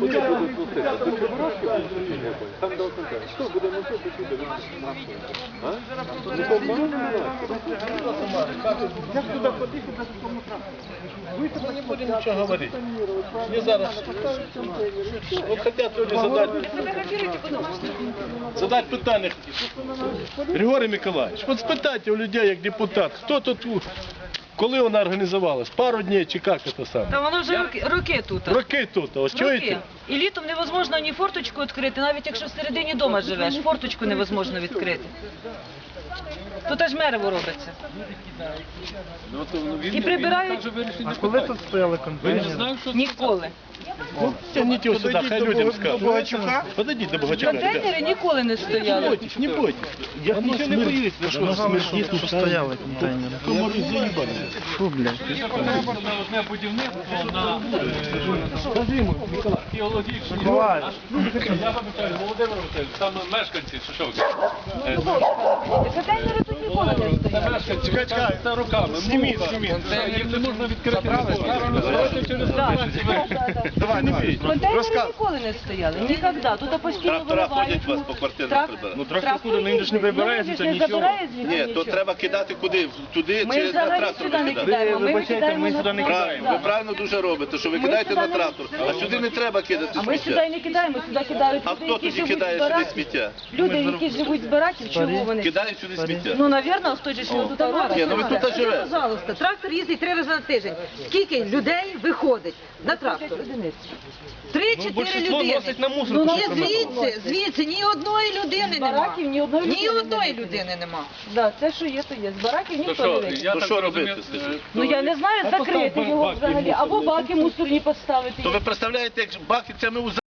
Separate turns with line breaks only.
Куди буде пустити? Там до кінця. Що буде носити сюди? А? Ну, то мало
Як туди ходити, без тому тракту? Ми не будемо нічого говорити. Не зараз. Вот хотят люди задать питання. Григорій Миколаївич, от спитайте у людей, як депутат, хто тут, коли вона організувалась? Пару днів чи як це саме?
Та воно вже роки тут.
Роки тут, ось чуєте?
Роки. І літом невозможно ні форточку відкрити, навіть якщо всередині дома живеш, форточку невозможно відкрити. Тут аж мерево робиться. І прибирають
А коли тут стояли контейнери?
ніколи.
Тягніть його сюди, хай людям скажуть. Подойдіть до Богачука.
Контейнери ніколи не
Не
стояли.
бойтесь, не бойтесь. Я нічого не боюсь. Ви що, смердіть
Тут стояли контейнери.
комарі заїбані.
Фу, блядь.
Одне будівництво на геологічній.
Миколаївич.
Я пам'ятаю, Володимир Васильович, там мешканці Шишовки.
Контейнери тут ніколи не стояли.
Мешканці, це руками. Зніміть. Їх не можна відкрити.
Давай.
Контейнери ніколи не стояли, ніколи. Тут постійно виливають.
Ну, трактор куди, він ж не вибирається,
не
нічого.
забирає звідси
Ні, то
нічого.
треба кидати куди? Туди
Ми
чи на
взагалі
трактор
сюди не
викидати?
кидаємо. Ми
Вибачайте,
викидаємо
ми
на
сюди не
трактор.
кидаємо. Ви правильно дуже робите, що ви
Ми
кидаєте
сюди
на
не
трактор, а сюди не треба кидати
А ми сюди
сміття.
не кидаємо, сюди кидають
А
люди,
хто
які
тоді
живуть
кидає
з
сюди
бараків.
сміття?
Люди, які живуть з бараків, чого вони?
Кидають сюди сміття.
Ну, навірно, хто ж його тут робить.
Ні, ну ви тут живете.
Пожалуйста, трактор їздить 3 рази на тиждень. Скільки людей виходить на трактор? 3-4 людини.
носить на мусор.
Ні, звідси ні одної людини нема.
Бараків ні одної
Ні
людини
одної
немає.
людини нема.
Да, це що є, то є. З бараків ніхто не вийде.
То що робити, скажіть?
Ну я не знаю, закрити його взагалі, або баки мусорні поставити.
То ви представляєте, як баки, це ми у